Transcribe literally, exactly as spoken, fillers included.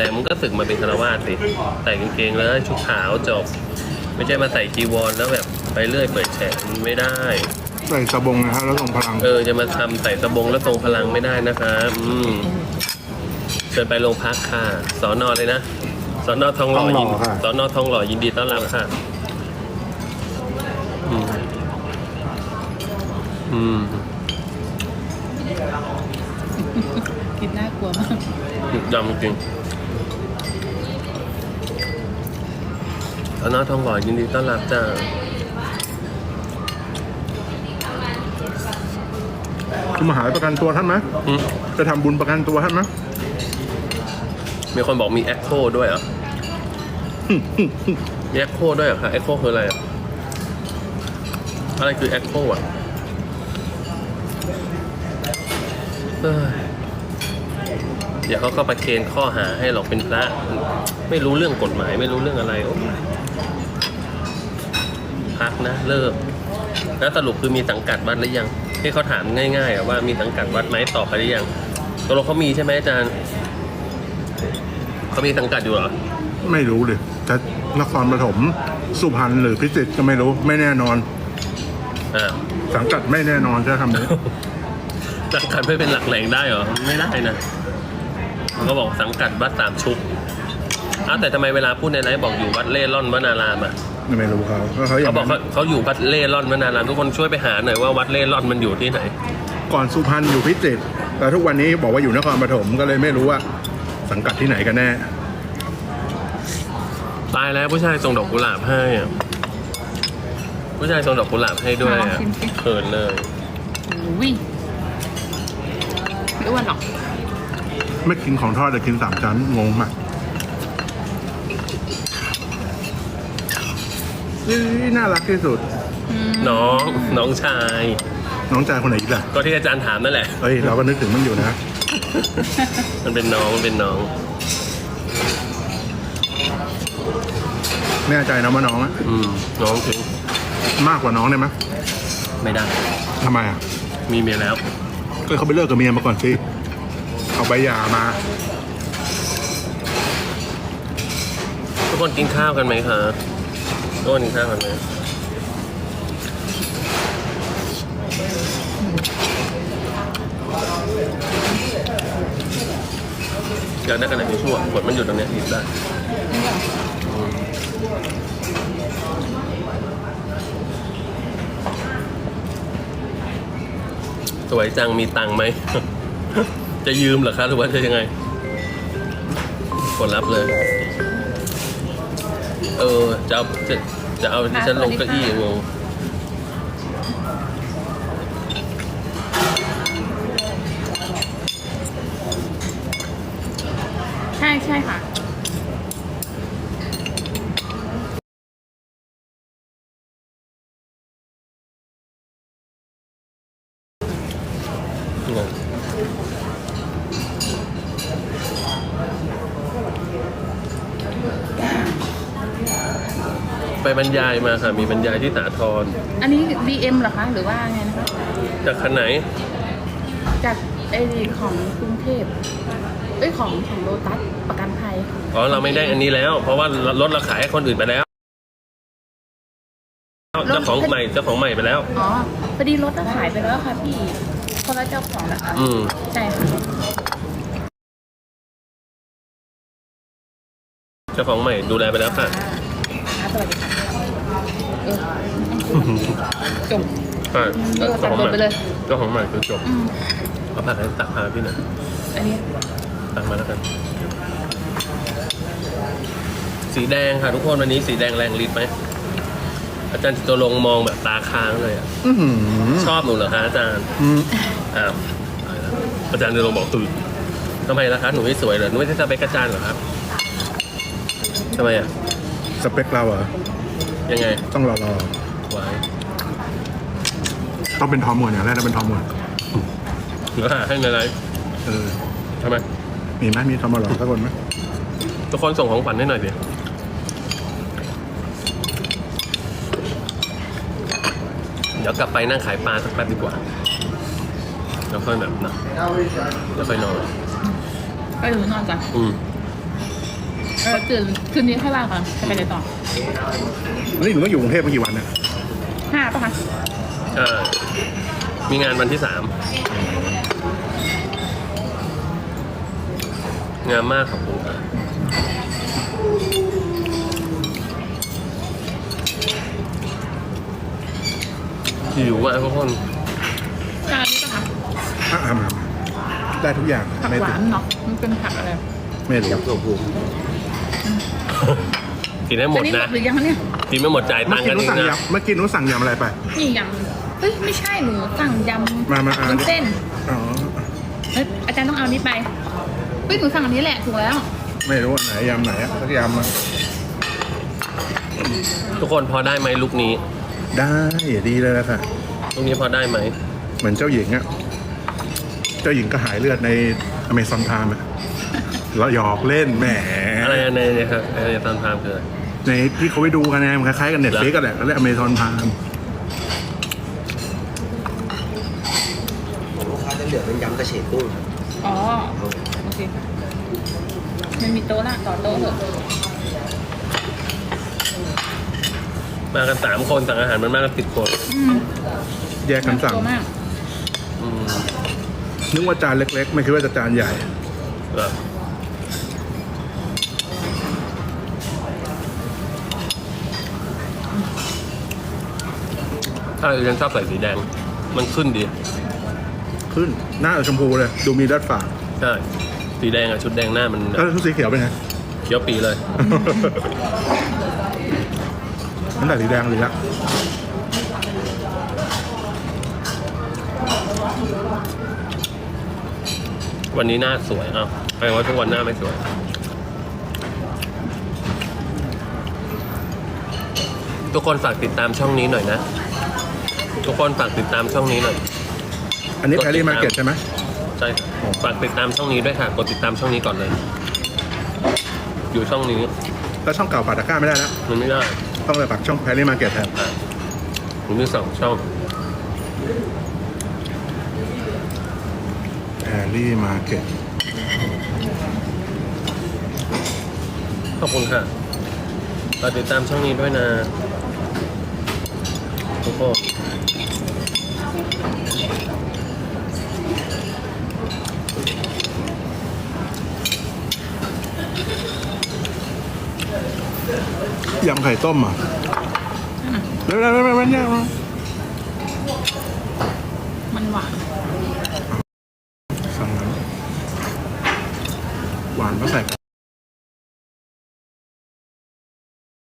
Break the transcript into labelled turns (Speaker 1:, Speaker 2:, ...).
Speaker 1: แล้วมึงก็สึกมาเป็นฆราวาสสิใส่กางเกงแล้วชุดขาวจบไม่ใช่มาใส่จีวรแล้วแบบไปเรื่อยเปิดแฉกไม่ได้
Speaker 2: ใส่สบงนะครับแล้วส่งพลัง
Speaker 1: เออจะมาทำใส่สบงแล้วทรงพลังไม่ได้นะครับอืมเชิญไปโรงพักค่ะสอนอเลยนะสอนอทองหล่อยินสอนอทองหล่อยินดีต้อนรับค่ะอืมอืม
Speaker 3: กินน่ากลัวมาก
Speaker 1: ยำจริงสอนอทองหล่อยินดีต้อนรับจ้า
Speaker 2: คุณมาหาประกันตัวท่านไหมจะทำบุญประกันตัวท่านไหม
Speaker 1: มีคนบอกมีแอคโคด้วยเหรอมีแอคโคด้วยเหรอคะแอคโคคืออะไรอ่ะอะไรคือแอคโคอ่ะเดี๋ยวเขาก็ประเคนข้อหาให้หรอกเป็นพระไม่รู้เรื่องกฎหมายไม่รู้เรื่องอะไรโอ้พักนะเลิกแล้วสรุปคือมีสังกัดวัดหรือยังที่เขาถามง่ายๆว่ามีสังกัดวัดไหมตอบไปหรือยังตกลงเขามีใช่ไหมอาจารย์เขามีสังกัดอยู่เหรอ
Speaker 2: ไม่รู้เลยจะนครปฐมสุพรรณหรือพิจิตรก็ไม่รู้ไม่แน่นอน
Speaker 1: อ่า
Speaker 2: สังกัดไม่แน่นอนจะทำนี้
Speaker 1: สังกัดไม่เป็นหลักแหล่งได้เหรอไม่ได้นะเขาบอกสังกัดวัดสามชุกอ้าวแต่ทำไมเวลาพูดในไลฟ์บอกอยู่วัดเล่ร่อนวนารามอ่ะ
Speaker 2: ไม่รู้เขาเขา
Speaker 1: เขาบอกเขาเขาอยู่วัดเล่ร่อนวนารามทุกคนช่วยไปหาหน่อยว่าวัดเล่ร่อนมันอยู่ที่ไหน
Speaker 2: ก่อนสุพรรณอยู่พิจิตรแต่ทุกวันนี้บอกว่าอยู่นครปฐมก็เลยไม่รู้ว่าสังกัดที่ไหนกันแน่
Speaker 1: ตายแล้วผู้ชายส่งดอกกุหลาบให้อ่ะผู้ชายส่งดอกกุหลาบให้ด้วยอ่ะเขินเลย
Speaker 3: อุ้ยไม่อ้วนหรอก
Speaker 2: ไม่กินของทอดแต่กินสามชั้นงงมากนี่น่ารักที่สุด
Speaker 1: น้องน้องชาย
Speaker 2: น้องชายคนไหนอีกล่ะ
Speaker 1: ก็ที่อาจารย์ถามนั่นแหละ
Speaker 2: เฮ้ยเราก็นึกถึงมันอยู่นะ
Speaker 1: มันเป็นน้องมันเป็นน้อง
Speaker 2: แน่ใจนะว่าน้องอ่ะ
Speaker 1: อืมน้องถึง
Speaker 2: มากกว่าน้องได้ไหม
Speaker 1: ไม่ได้
Speaker 2: ทำไมอ่ะ
Speaker 1: มีเมียแล้ว
Speaker 2: ก็เขาไปเลิกกับเมียมาก่อนสิเอาใบหย่ามา
Speaker 1: ทุกคนกินข้าวกันไหมคะทุกคนกินข้าวกันไหมอยากได้กระดาษทิชชู่กดมันอยู่ตรงนี้หยิบได้สวยจังมีตังค์ไหม จะยืมเหรอคะหรือว่าจะยังไงกดรับเลยเออจะเอาจะจะเอาที่ฉันลงเก้าอี้งง
Speaker 3: ใช่ใช่ค่ะ
Speaker 1: ไปบรรยายมาค่ะมีบรรยายที่สาทร
Speaker 3: อันนี้ ดี เอ็ม เหรอคะหรือว่าไงนะคะ
Speaker 1: จากคันไหน
Speaker 3: จากไอของกรุงเทพเอ้ยของของโลตัสประกันภัย
Speaker 1: อ๋อเราไม่ได้อันนี้แล้วเพราะว่ารถเราขายให้คนอื่นไปแล้วเจ้าของใหม่เจ้าของใหม่ไปแล้ว
Speaker 3: อ๋อพอดีรถเราขายไปแล้วค่ะพี่คนละเจ้าของนะคะ
Speaker 1: อืม
Speaker 3: ใช่ค่ะ
Speaker 1: เจ้าของใหม่ดูแลไปแล้วค่ะ
Speaker 3: สวัสดีค่ะเออจบ
Speaker 1: ใช่
Speaker 3: เจ้าของใหม่ไปเลย
Speaker 1: เจ้าของใหม่คือจบเอาผักให้ตักพาพี่หน่อย
Speaker 3: อันนี้
Speaker 1: ตักมาแล้วกันสีแดงค่ะทุกคนวันนี้สีแดงแรงฤทธิ์ไหมอาจารย์จิตรงมองแบบตาค้างเลยอ่ะชอบหนูเหรอคะอาจารย์อ้าวอาจารย์จิตรงบอกตื่นทำไมล่ะคะหนูไม่สวยเหรอหนูไม่ใช่สเปคอาจารย์เหรอครับทำไมอ่ะ
Speaker 2: สเปคเราเหรอ
Speaker 1: ยังไง
Speaker 2: ต้องรอรอ
Speaker 1: ไว้
Speaker 2: ต้องเป็นทอมก่อนอย่างแรกต้องเป็นทอมก่อน
Speaker 1: หรือหาให้ในไลฟ์
Speaker 2: เออ
Speaker 1: ทำไม
Speaker 2: มีไหมมีทอมมาหรอสักคนไหม
Speaker 1: ทุกคนส่งของขวัญให้หน่อยดิเดี๋ยวกลับไปนั่งขายปลาสักแป๊บดีกว่าแล้วค่อยแบบนะแล้วค่อยนอน
Speaker 3: ไปถึงนอนก่อน
Speaker 1: อืม
Speaker 3: ก็คืนคืนนี้ค่อยว่ากันจะไปไหนต่อ
Speaker 2: นี่หนูต้องอยู่กรุงเทพมากี่วันเนี่ย
Speaker 3: ห้าป่ะคะ
Speaker 1: เออมีงานวันที่สามงามมากขอบคุณค่ะหิวอ่ะทุกคน
Speaker 3: จานนี้ป่ะคะ
Speaker 2: อ่ะอ่ะมาได้ทุกอย่าง
Speaker 3: ผัก
Speaker 2: ไม่
Speaker 3: ห
Speaker 2: ติ
Speaker 3: วา
Speaker 2: ด
Speaker 3: นเนาะมันเป็นผักอะไร
Speaker 2: ไม่รู้
Speaker 1: กินให้หม
Speaker 3: อั
Speaker 1: ด
Speaker 3: นนี้หม
Speaker 1: นะ
Speaker 3: ดหรือยังคะเนี่ย
Speaker 1: กินไม่หมดจ่าย
Speaker 2: เมื่
Speaker 1: ตั
Speaker 2: อง
Speaker 1: ค์
Speaker 2: กี้
Speaker 1: กัน
Speaker 2: หนู
Speaker 1: เอง
Speaker 2: สั่ง
Speaker 1: นะ
Speaker 2: ยำเมื่อกี้หนูสั่งยำอะไรไป
Speaker 3: นี่ยำเฮ้ยไม่ใช่หนูสั่งยำ
Speaker 2: มามาอ่าน
Speaker 3: วุ้นเส้น
Speaker 2: อ๋อ
Speaker 3: เอ้ยอาจารย์ต้องเอาอันนี้ไปเฮ้ยหนูสั่งอันนี้แหละถูกแล้ว
Speaker 2: ไม่รู้อันไหนยำไหนอะสักยำอะ
Speaker 1: ทุกคนพอได้ไหมลุกนี้
Speaker 2: ได้ดีเลยละค่ะ
Speaker 1: ลุกนี้พอได้ไหม
Speaker 2: เหมือนเจ้าหญิงอะเจ้าหญิงก็หายเลือดในอเมซอนไทม์อะเราหยอกเล่นแหม
Speaker 1: อะไรในเนี่ยครับอะไรตามทามคืออะไร
Speaker 2: ในที่เขาไปดูกันไงมันคล้ายๆกันเน็ตฟลิกกันแหละก็เรียกอเมซอนไทม์
Speaker 4: ของลูกค้าจะเหลือเป็นยำกระเฉดกุ้งครับ
Speaker 3: อ๋อโอเคค่ะมันมีโต๊ะละต่อโต๊ะเถอะ
Speaker 1: มากันสามคนสั่งอาหารมันมากกันสิบคน
Speaker 3: อืม
Speaker 2: แยกกันสั่ง
Speaker 3: ตัวมาก
Speaker 1: อืม
Speaker 2: นึกว่าจานเล็กๆ ไม่คิดว่าจะจานใหญ่
Speaker 1: เหรอถ้าเรายังชอบใส่สีแดง มันขึ้นดี
Speaker 2: ขึ้นหน้าชมพูเลย ดูมีดัดฝา
Speaker 1: ใช่ สีแดงอะชุดแดงหน้ามัน
Speaker 2: แล้วชุดสีเขียวเป็นไง
Speaker 1: เขียวปีเลย
Speaker 2: นั่นแต่สีแดงเลยละ
Speaker 1: วันนี้หน้าสวยอ้าวแปลว่าทุกวันหน้าไม่สวย ทุกคนฝากติดตามช่องนี้หน่อยนะ ทุกคนฝากติดตามช่องนี้หน่อย
Speaker 2: อันนี้แพรรี่มาร์เก็ตใช่ไหม
Speaker 1: ใช่ฝากติดตามช่องนี้ด้วยค่ะ กดติดตามช่องนี้ก่อนเลย อยู่ช่องนี้
Speaker 2: แล้วช่องเก่าปาตะกร้าไม่ได้แล้ว
Speaker 1: มันไม่ได้
Speaker 2: ต้องเลยปักช่องแพรรี่มาร์เก็ตแทน
Speaker 1: อ่ะผมมีสองช่อง
Speaker 2: แพรรี่มาร์เก็ต
Speaker 1: ขอบคุณค่ะฝากติดตามช่องนี้ด้วยนะ ทุกคน
Speaker 2: ยำไข่ต้มอ่ะเร็วๆๆๆๆเนี่ย
Speaker 3: มันหวาน